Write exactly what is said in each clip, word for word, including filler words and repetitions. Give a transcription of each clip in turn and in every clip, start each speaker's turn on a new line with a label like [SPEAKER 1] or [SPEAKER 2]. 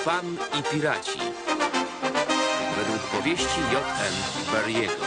[SPEAKER 1] Pan i piraci. Według powieści J M Barriego.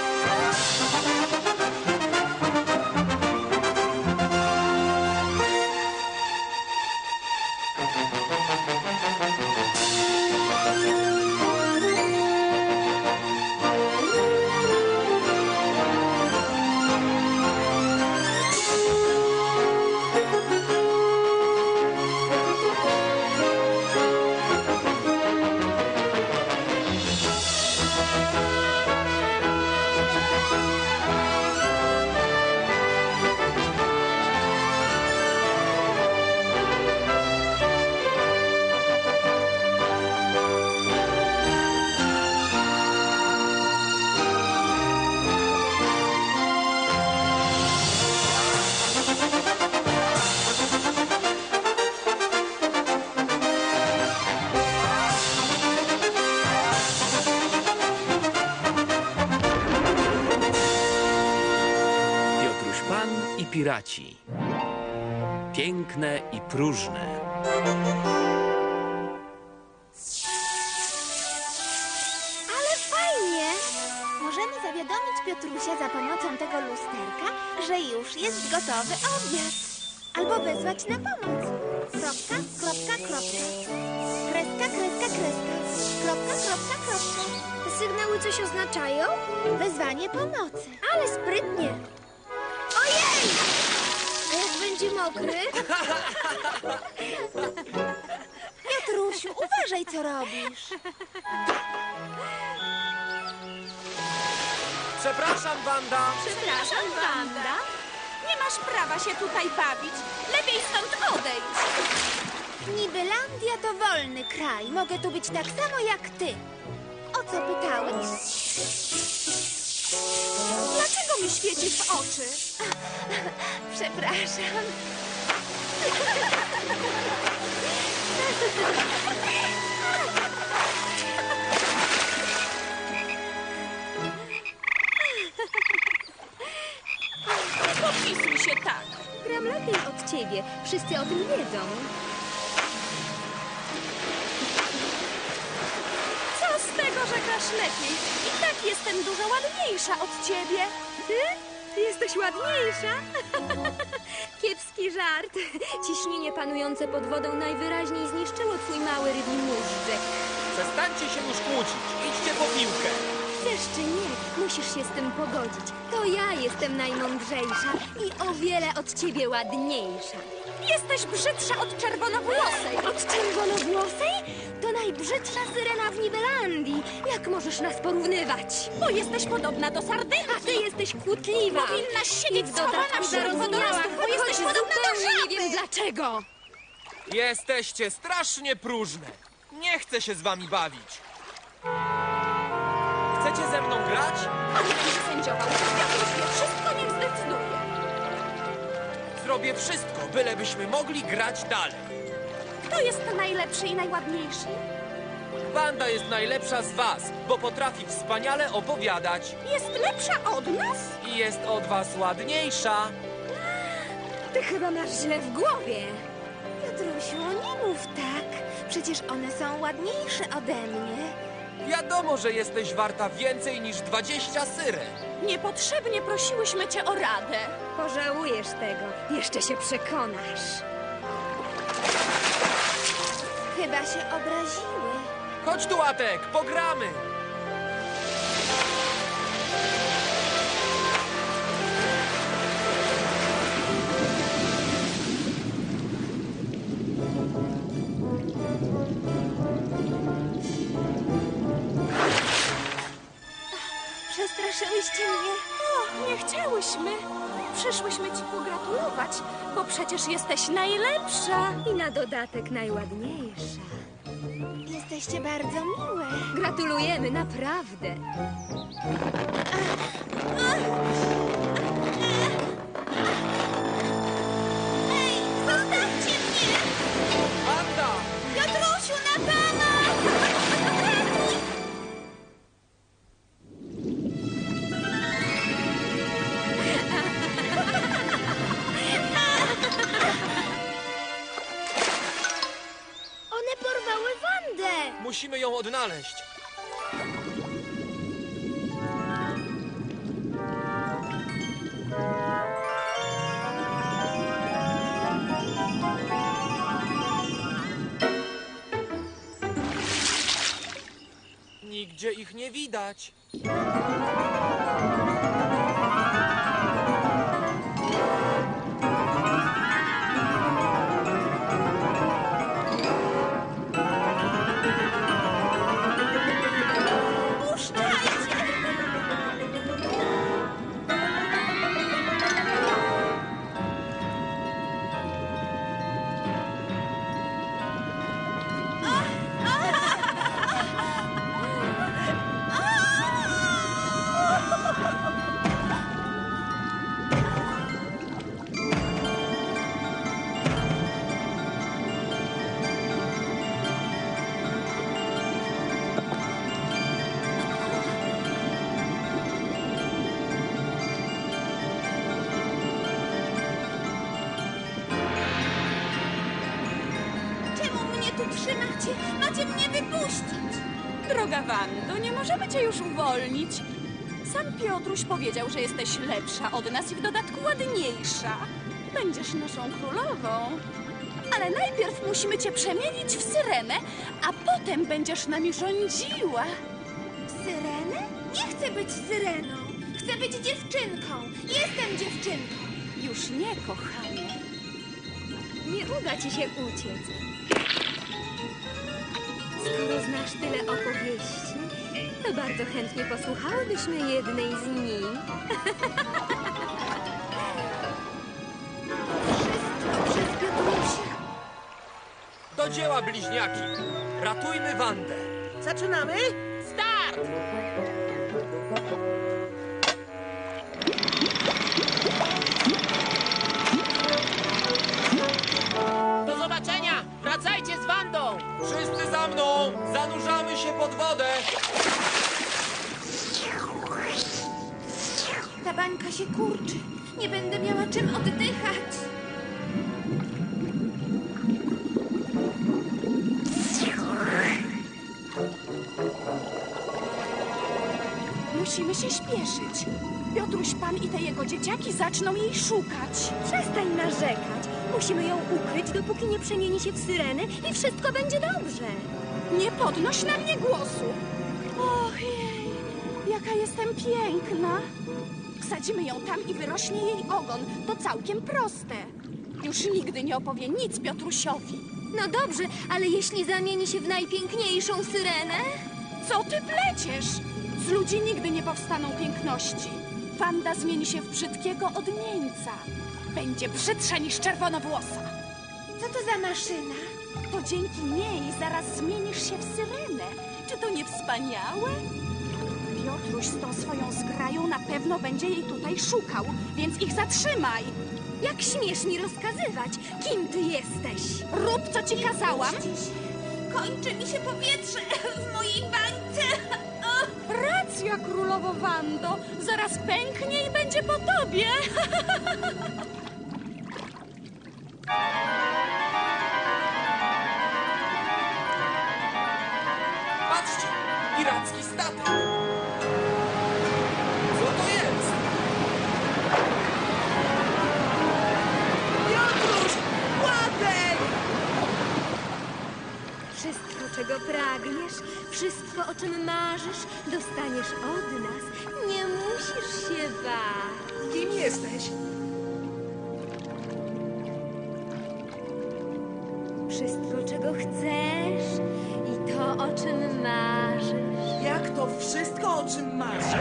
[SPEAKER 1] Piraci. Piękne i próżne.
[SPEAKER 2] Ale fajnie! Możemy zawiadomić Piotrusia za pomocą tego lusterka, że już jest gotowy obiad. Albo wezwać na pomoc. Kropka, kropka, kropka. Kreska, kreska, kreska. Kropka, kropka, kropka. Te sygnały coś oznaczają? Wezwanie pomocy. Ale sprytnie. Ojej! A jak będzie mokry? Piotrusiu, uważaj, co robisz.
[SPEAKER 3] Przepraszam, Wanda.
[SPEAKER 4] Przepraszam, Wanda. Nie masz prawa się tutaj bawić. Lepiej stąd odejdź.
[SPEAKER 2] Nibylandia to wolny kraj. Mogę tu być tak samo jak ty. O co pytałeś?
[SPEAKER 4] Dlaczego mi świecisz w oczy?
[SPEAKER 2] Przepraszam.
[SPEAKER 4] Nie podpisuj się tak.
[SPEAKER 5] Gram lepiej od ciebie. Wszyscy o tym wiedzą.
[SPEAKER 4] Co z tego, że grasz lepiej? I tak jestem dużo ładniejsza od ciebie.
[SPEAKER 5] Ty? Jesteś ładniejsza? Kiepski żart. Ciśnienie panujące pod wodą najwyraźniej zniszczyło twój mały rybni móżdżek.
[SPEAKER 3] Przestańcie się już kłócić. Idźcie po piłkę.
[SPEAKER 5] Chcesz czy nie, musisz się z tym pogodzić. To ja jestem najmądrzejsza i o wiele od ciebie ładniejsza.
[SPEAKER 4] Jesteś brzydsza od czerwonowłosej.
[SPEAKER 5] Od czerwonowłosej? To najbrzydsza syrena w Nibelandii. Jak możesz nas porównywać?
[SPEAKER 4] Bo jesteś podobna do sardynki.
[SPEAKER 5] A ty jesteś kłótliwa.
[SPEAKER 4] Powinnaś
[SPEAKER 5] I
[SPEAKER 4] siedzieć
[SPEAKER 5] w
[SPEAKER 4] schowana
[SPEAKER 5] dodatku
[SPEAKER 4] wśród
[SPEAKER 5] zarozumiała,
[SPEAKER 4] wodorostów, bo jesteś
[SPEAKER 5] choć
[SPEAKER 4] podobna do
[SPEAKER 5] zupełnie
[SPEAKER 4] żaby.
[SPEAKER 5] nie wiem dlaczego.
[SPEAKER 3] Jesteście strasznie próżne. Nie chcę się z wami bawić. Chcecie ze mną grać?
[SPEAKER 4] A nie będziesz sędziował. Piotruś wie wszystko, niech zdecyduje.
[SPEAKER 3] Zrobię wszystko, bylebyśmy mogli grać dalej.
[SPEAKER 4] Kto jest najlepszy i najładniejszy?
[SPEAKER 3] Wanda jest najlepsza z was, bo potrafi wspaniale opowiadać.
[SPEAKER 4] Jest lepsza od nas?
[SPEAKER 3] I jest od was ładniejsza.
[SPEAKER 5] Ty chyba masz źle w głowie.
[SPEAKER 2] Piotrusiu, nie mów tak. Przecież one są ładniejsze ode mnie.
[SPEAKER 3] Wiadomo, że jesteś warta więcej niż dwadzieścia syren.
[SPEAKER 4] Niepotrzebnie prosiłyśmy cię o radę.
[SPEAKER 5] Pożałujesz tego. Jeszcze się przekonasz.
[SPEAKER 2] Chyba się obraziły.
[SPEAKER 3] Chodź tu, Atek, pogramy.
[SPEAKER 2] Przestraszyłyście mnie.
[SPEAKER 4] O, nie chciałyśmy. Przyszłyśmy ci pogratulować, bo przecież jesteś najlepsza.
[SPEAKER 5] I na dodatek najładniejsza.
[SPEAKER 2] Jesteście bardzo miłe.
[SPEAKER 5] Gratulujemy, naprawdę.
[SPEAKER 2] Ej, zostawcie mnie!
[SPEAKER 3] Wanda!
[SPEAKER 2] Piotrusiu, na pomoc! One porwały Wandę!
[SPEAKER 3] Musimy ją odnaleźć. Nigdzie ich nie widać.
[SPEAKER 2] Puszczajcie! Czemu mnie tu trzymacie? Macie mnie wypuścić!
[SPEAKER 4] Droga Wando, nie możemy cię już uwolnić. Sam Piotruś powiedział, że jesteś lepsza od nas i w dodatku ładniejsza. Będziesz naszą królową. Ale najpierw musimy cię przemienić w syrenę, a potem będziesz nami rządziła.
[SPEAKER 2] Syrenę? Nie chcę być syreną. Chcę być dziewczynką. Jestem dziewczynką.
[SPEAKER 4] Już nie, kochanie.
[SPEAKER 5] Nie uda ci się uciec. Skoro znasz tyle opowieści, to bardzo chętnie posłuchałybyśmy jednej z nich.
[SPEAKER 2] Wszystko przez Piotrusia.
[SPEAKER 3] Do dzieła, bliźniaki! Ratujmy Wandę!
[SPEAKER 6] Zaczynamy?
[SPEAKER 3] Start!
[SPEAKER 6] Do zobaczenia! Wracajcie z Wandą!
[SPEAKER 3] Wszyscy za mną! Zanurzamy się pod wodę!
[SPEAKER 2] Ta bańka się kurczy. Nie będę miała czym oddychać.
[SPEAKER 4] Musimy się śpieszyć. Piotruś Pan i te jego dzieciaki zaczną jej szukać.
[SPEAKER 5] Przestań narzekać. Musimy ją ukryć, dopóki nie przemieni się w syrenę i wszystko będzie dobrze.
[SPEAKER 4] Nie podnoś na mnie głosu. Ojej, jaka jestem piękna. Wsadzimy ją tam i wyrośnie jej ogon. To całkiem proste. Już nigdy nie opowie nic Piotrusiowi.
[SPEAKER 5] No dobrze, ale jeśli zamieni się w najpiękniejszą syrenę?
[SPEAKER 4] Co ty pleciesz? Z ludzi nigdy nie powstaną piękności. Wanda zmieni się w brzydkiego odmieńca. Będzie brzydsza niż czerwonowłosa.
[SPEAKER 2] Co to za maszyna?
[SPEAKER 4] To dzięki niej zaraz zmienisz się w syrenę. Czy to nie wspaniałe? Piotruś z tą swoją zgrają na pewno będzie jej tutaj szukał, więc ich zatrzymaj.
[SPEAKER 5] Jak śmiesz mi rozkazywać, kim ty jesteś?
[SPEAKER 4] Rób, co ci kazałam.
[SPEAKER 2] Puśćcie się. Kończy mi się powietrze w mojej bańce.
[SPEAKER 4] Racja, królowo Wando. Zaraz pęknie i będzie po tobie.
[SPEAKER 3] Patrzcie! Piracki statek! Co to jest?
[SPEAKER 6] Piotruś! Łatek!
[SPEAKER 5] Wszystko, czego pragniesz, wszystko, o czym marzysz, dostaniesz od nas. Nie musisz się bać.
[SPEAKER 6] Kim jesteś?
[SPEAKER 5] Wszystko, czego chcesz i to, o czym marzysz.
[SPEAKER 6] Jak to wszystko, o czym marzę?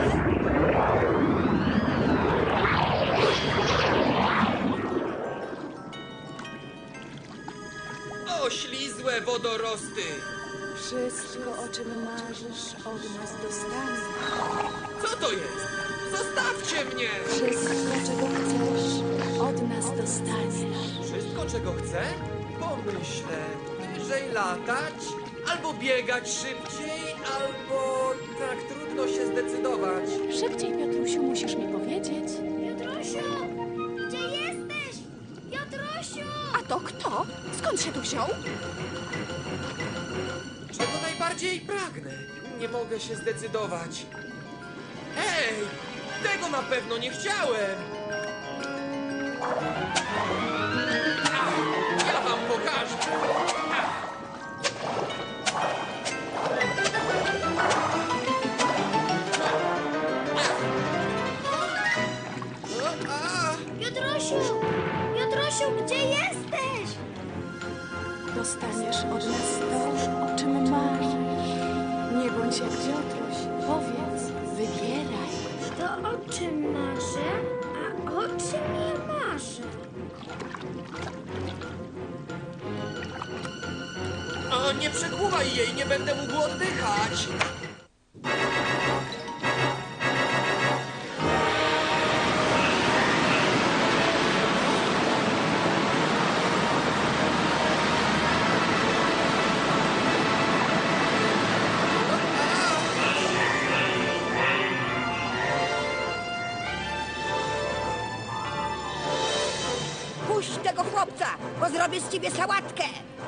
[SPEAKER 3] Oślizłe wodorosty!
[SPEAKER 4] Wszystko, o czym marzysz, od nas dostaniesz.
[SPEAKER 3] Co to jest? Zostawcie mnie!
[SPEAKER 4] Wszystko, czego chcesz, od nas dostaniesz.
[SPEAKER 3] Wszystko, czego chcę? Pomyślę. Wyżej latać, albo biegać szybciej, albo tak trudno się zdecydować.
[SPEAKER 4] Szybciej, Piotrusiu, musisz mi powiedzieć.
[SPEAKER 2] Piotrusiu! Gdzie jesteś? Piotrusiu!
[SPEAKER 4] A to kto? Skąd się tu wziął?
[SPEAKER 3] czego najbardziej pragnę. Nie mogę się zdecydować. Ej, tego na pewno nie chciałem. Ach, ja wam pokażę. Ach.
[SPEAKER 2] Piotrosiu! Piotrosiu, gdzie jesteś?
[SPEAKER 4] Dostaniesz od nas to, o czym marzysz. Nie bądź jak Piotruś. Powiedz, wybieraj.
[SPEAKER 2] To o czym marzę, a o czym nie marzę?
[SPEAKER 3] O, nie przekłuwaj jej, nie będę mógł oddychać.
[SPEAKER 7] Puść tego chłopca, bo zrobię z ciebie sałatkę!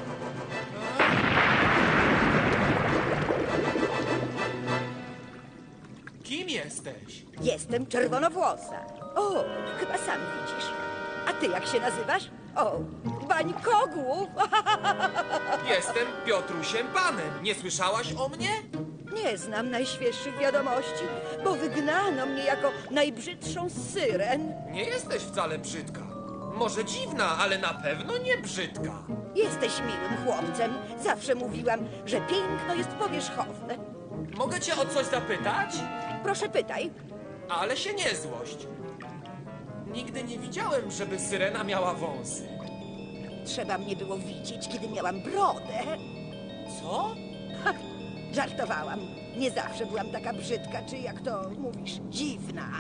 [SPEAKER 3] Kim jesteś?
[SPEAKER 7] Jestem czerwonowłosa. O, chyba sam widzisz. A ty jak się nazywasz? O, Bańkogłów!
[SPEAKER 3] Jestem Piotrusiem Panem. Nie słyszałaś o mnie?
[SPEAKER 7] Nie znam najświeższych wiadomości, bo wygnano mnie jako najbrzydszą z syren.
[SPEAKER 3] Nie jesteś wcale brzydka. Może dziwna, ale na pewno nie brzydka.
[SPEAKER 7] Jesteś miłym chłopcem. Zawsze mówiłam, że piękno jest powierzchowne.
[SPEAKER 3] Mogę cię o coś zapytać?
[SPEAKER 7] Proszę pytaj.
[SPEAKER 3] Ale się nie złość. Nigdy nie widziałem, żeby syrena miała wąsy.
[SPEAKER 7] Trzeba mnie było widzieć, kiedy miałam brodę.
[SPEAKER 3] Co?
[SPEAKER 7] Żartowałam. Nie zawsze byłam taka brzydka, czy jak to mówisz, dziwna.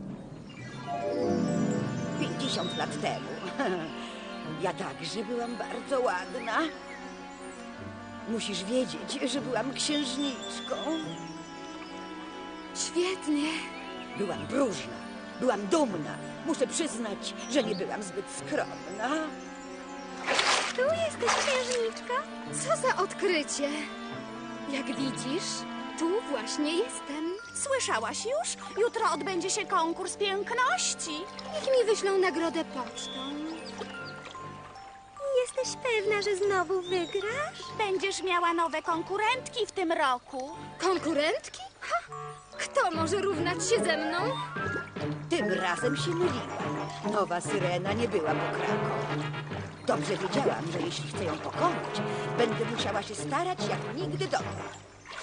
[SPEAKER 7] Pięćdziesiąt lat temu. Ja także byłam bardzo ładna. Musisz wiedzieć, że byłam księżniczką.
[SPEAKER 5] Świetnie.
[SPEAKER 7] Byłam próżna, byłam dumna. Muszę przyznać, że nie byłam zbyt skromna.
[SPEAKER 5] Tu jesteś księżniczka? Co za odkrycie. Jak widzisz, tu właśnie jestem.
[SPEAKER 4] Słyszałaś już? Jutro odbędzie się konkurs piękności.
[SPEAKER 5] Niech mi wyślą nagrodę pocztą.
[SPEAKER 2] Jesteś pewna, że znowu wygrasz?
[SPEAKER 4] Będziesz miała nowe konkurentki w tym roku.
[SPEAKER 5] Konkurentki? Ha! Kto może równać się ze mną?
[SPEAKER 7] Tym razem się myliłam. Nowa syrena nie była pokranką. Dobrze wiedziałam, że jeśli chcę ją pokonać, będę musiała się starać jak nigdy dotąd.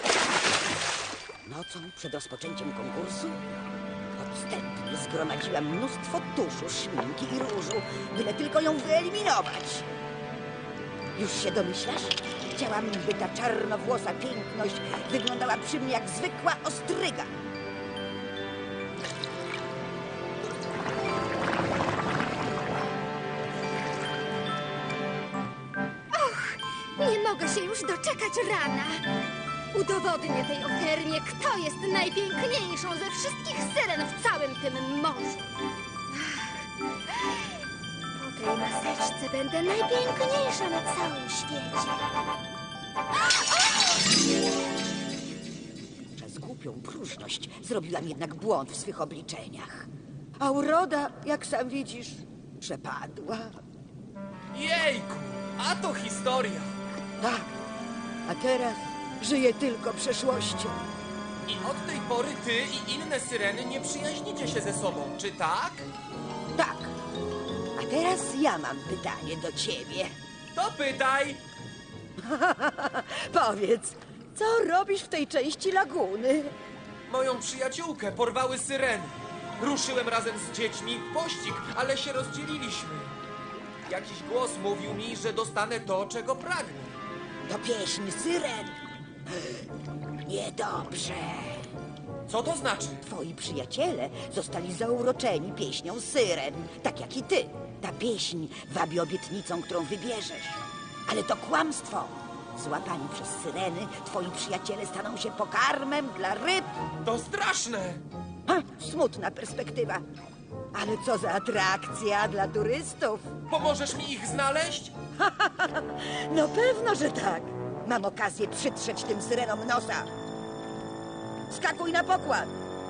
[SPEAKER 7] Nocą przed rozpoczęciem konkursu podstępnie zgromadziłam mnóstwo tuszu, szminki i różu, byle tylko ją wyeliminować. Już się domyślasz? Chciałam, by ta czarnowłosa piękność wyglądała przy mnie jak zwykła ostryga.
[SPEAKER 5] Nie mogę się już doczekać rana. Udowodnię tej ofermie, kto jest najpiękniejszą ze wszystkich syren w całym tym morzu. Po tej maseczce będę najpiękniejsza na całym świecie.
[SPEAKER 7] Przez głupią próżność zrobiłam jednak błąd w swych obliczeniach. A uroda, jak sam widzisz, przepadła.
[SPEAKER 3] Jejku, a to historia.
[SPEAKER 7] Tak, a teraz żyję tylko przeszłością.
[SPEAKER 3] I od tej pory ty i inne syreny nie przyjaźnicie się ze sobą, czy tak?
[SPEAKER 7] Tak, a teraz ja mam pytanie do ciebie.
[SPEAKER 3] To pytaj.
[SPEAKER 7] Powiedz, co robisz w tej części laguny?
[SPEAKER 3] Moją przyjaciółkę porwały syreny. Ruszyłem razem z dziećmi w pościg, ale się rozdzieliliśmy. Jakiś głos mówił mi, że dostanę to, czego pragnę.
[SPEAKER 7] To pieśń syren. Niedobrze.
[SPEAKER 3] Co to znaczy?
[SPEAKER 7] Twoi przyjaciele zostali zauroczeni pieśnią syren, tak jak i ty. Ta pieśń wabi obietnicą, którą wybierzesz. Ale to kłamstwo. Złapani przez syreny, twoi przyjaciele staną się pokarmem dla ryb.
[SPEAKER 3] To straszne!
[SPEAKER 7] Ha, smutna perspektywa. Ale co za atrakcja dla turystów.
[SPEAKER 3] Pomożesz mi ich znaleźć?
[SPEAKER 7] No pewno, że tak. Mam okazję przytrzeć tym syrenom nosa. Skakuj na pokład.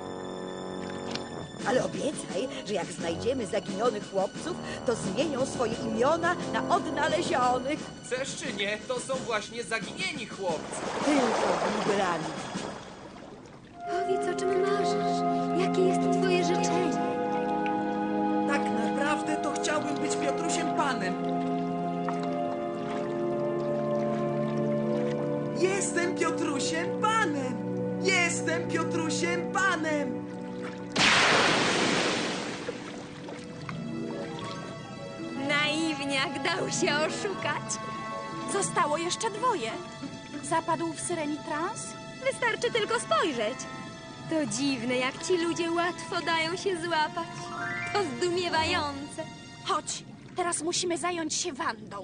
[SPEAKER 7] Ale obiecaj, że jak znajdziemy zaginionych chłopców, to zmienią swoje imiona na odnalezionych.
[SPEAKER 3] Chcesz czy nie, to są właśnie zaginieni chłopcy.
[SPEAKER 7] Tylko w Nibelandii.
[SPEAKER 5] Powiedz, o czym marzysz. Jakie jest twoje życzenie?
[SPEAKER 8] Tak naprawdę to chciałbym być Piotrusiem Panem. Jestem Piotrusiem Panem! Jestem Piotrusiem Panem!
[SPEAKER 5] Naiwniak dał się oszukać.
[SPEAKER 4] Zostało jeszcze dwoje. Zapadł w syreni trans?
[SPEAKER 5] Wystarczy tylko spojrzeć. To dziwne, jak ci ludzie łatwo dają się złapać. To zdumiewające.
[SPEAKER 4] Chodź, teraz musimy zająć się Wandą.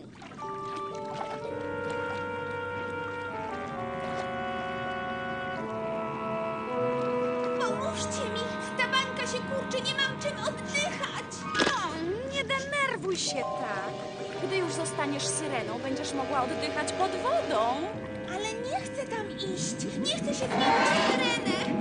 [SPEAKER 2] Pomóżcie mi! Ta bańka się kurczy, nie mam czym oddychać!
[SPEAKER 4] O, nie denerwuj się tak. Gdy już zostaniesz syreną, będziesz mogła oddychać pod wodą.
[SPEAKER 2] Ale nie chcę tam iść! Nie chcę się zmienić w syrenę!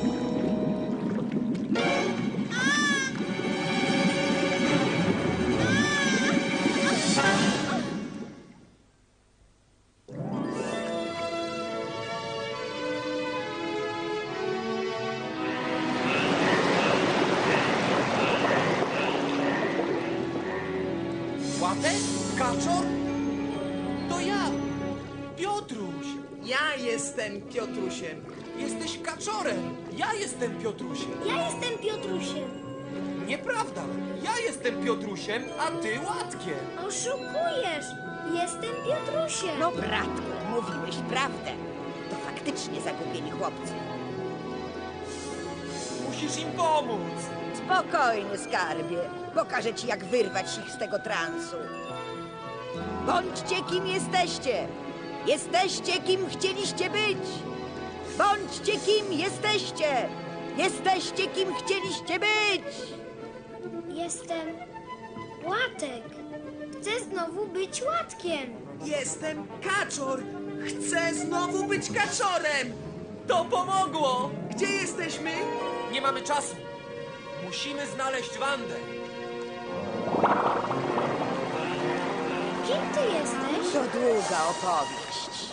[SPEAKER 3] Łatek? Kaczor? To ja, Piotruś.
[SPEAKER 8] Ja jestem Piotrusiem.
[SPEAKER 3] Jesteś kaczorem. Ja jestem Piotrusiem.
[SPEAKER 2] Ja jestem Piotrusiem.
[SPEAKER 3] Nieprawda. Ja jestem Piotrusiem, a ty Łatkiem.
[SPEAKER 2] Oszukujesz! Jestem Piotrusiem.
[SPEAKER 7] No, bratku, mówiłeś prawdę. To faktycznie zagubieni chłopcy.
[SPEAKER 3] Musisz im pomóc.
[SPEAKER 7] Spokojnie, skarbie. Pokażę ci, jak wyrwać ich z tego transu. Bądźcie, kim jesteście. Jesteście, kim chcieliście być. Bądźcie, kim jesteście. Jesteście, kim chcieliście być.
[SPEAKER 2] Jestem Łatek. Chcę znowu być Łatkiem.
[SPEAKER 8] Jestem Kaczor. Chcę znowu być Kaczorem.
[SPEAKER 3] To pomogło.
[SPEAKER 8] Gdzie jesteśmy?
[SPEAKER 3] Nie mamy czasu. Musimy znaleźć Wandę.
[SPEAKER 2] Kim ty jesteś?
[SPEAKER 7] To długa opowieść.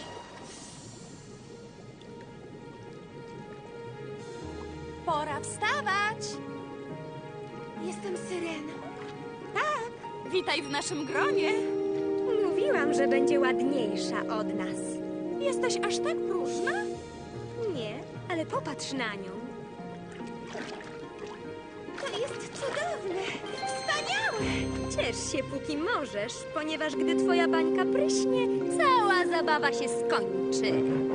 [SPEAKER 4] Pora wstawać.
[SPEAKER 2] Jestem Syreną.
[SPEAKER 4] Tak, witaj w naszym gronie.
[SPEAKER 5] Mówiłam, że będzie ładniejsza od nas.
[SPEAKER 4] Jesteś aż tak próżna?
[SPEAKER 5] Nie, ale popatrz na nią.
[SPEAKER 2] To jest cudowne! Wspaniałe!
[SPEAKER 5] Ciesz się, póki możesz, ponieważ gdy twoja bańka pryśnie, cała zabawa się skończy.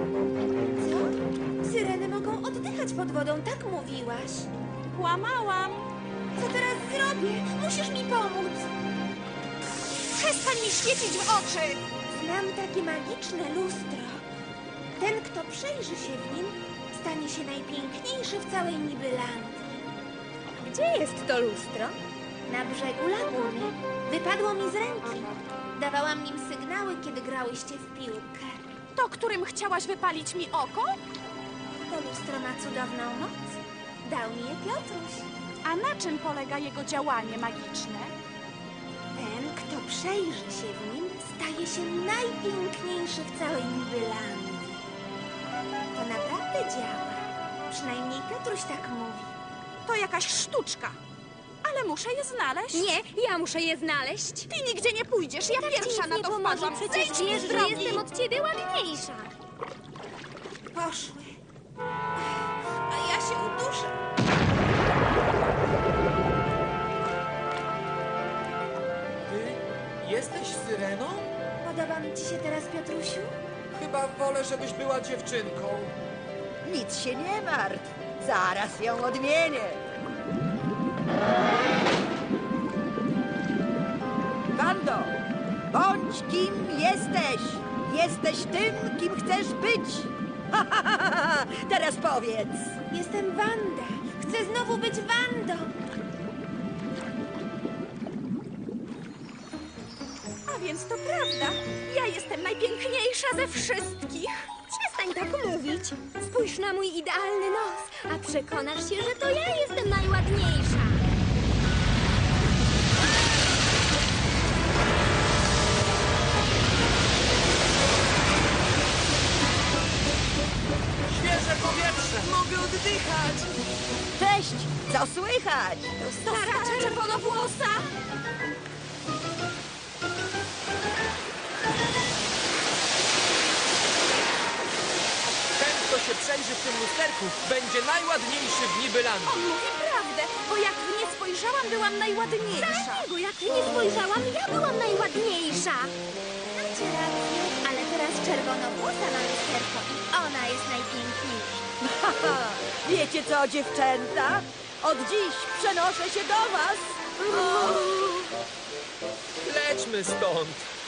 [SPEAKER 2] Co? Syreny mogą oddychać pod wodą, tak mówiłaś.
[SPEAKER 4] Kłamałam.
[SPEAKER 2] Co teraz zrobię? Musisz mi pomóc.
[SPEAKER 4] Przestań mi świecić w oczy.
[SPEAKER 2] Znam takie magiczne lustro. Ten, kto przejrzy się w nim, stanie się najpiękniejszy w całej Nibylandii.
[SPEAKER 5] Gdzie jest to lustro?
[SPEAKER 2] Na brzegu laguny. Wypadło mi z ręki. Dawałam nim sygnały, kiedy grałyście w piłkę.
[SPEAKER 4] To, którym chciałaś wypalić mi oko?
[SPEAKER 2] To lustro ma cudowną moc. Dał mi je Piotruś.
[SPEAKER 4] A na czym polega jego działanie magiczne?
[SPEAKER 2] Ten, kto przejrzy się w nim, staje się najpiękniejszy w całej Nibylandii. To naprawdę działa. Przynajmniej Piotruś tak mówi.
[SPEAKER 4] To jakaś sztuczka. Ale muszę je znaleźć.
[SPEAKER 5] Nie, ja muszę je znaleźć.
[SPEAKER 4] Ty nigdzie nie pójdziesz, ja
[SPEAKER 5] Tak ci
[SPEAKER 4] pierwsza
[SPEAKER 5] nic
[SPEAKER 4] na
[SPEAKER 5] nie
[SPEAKER 4] to
[SPEAKER 5] pomoże,
[SPEAKER 4] wpadłam.
[SPEAKER 5] przecież
[SPEAKER 4] Zejdź mi
[SPEAKER 5] wiesz,
[SPEAKER 4] z
[SPEAKER 5] że
[SPEAKER 4] drogi.
[SPEAKER 5] jestem od ciebie ładniejsza.
[SPEAKER 2] Poszły. A ja się uduszę.
[SPEAKER 3] Ty jesteś Syreną?
[SPEAKER 2] Podoba mi ci się teraz, Piotrusiu?
[SPEAKER 3] Chyba wolę, żebyś była dziewczynką.
[SPEAKER 7] Nic się nie martw. Zaraz ją odmienię. Wando, bądź kim jesteś. Jesteś tym, kim chcesz być. Teraz powiedz.
[SPEAKER 2] Jestem Wanda. Chcę znowu być Wandą.
[SPEAKER 4] A więc to prawda. Ja jestem najpiękniejsza ze wszystkich.
[SPEAKER 5] Przestań tak mówić. Spójrz na mój idealny nos, a przekonasz się, że to ja jestem najładniejsza.
[SPEAKER 3] Świeże powietrze!
[SPEAKER 8] Mogę oddychać!
[SPEAKER 7] Cześć! Co słychać?
[SPEAKER 4] To stara czerwonowłosa.
[SPEAKER 3] Ten, kto się przejrzy w tym lusterku, będzie najładniejszy w Nibylandii.
[SPEAKER 4] On mówi prawdę, bo jak w nie spojrzałam, byłam najładniejsza.
[SPEAKER 5] Bo jak nie spojrzałam, ja byłam najładniejsza.
[SPEAKER 2] Macie rację, ale teraz czerwonowłosa ma lusterko i ona jest najpiękniejsza.
[SPEAKER 7] Haha, wiecie co, dziewczęta? Od dziś przenoszę się do was.
[SPEAKER 3] Lećmy stąd.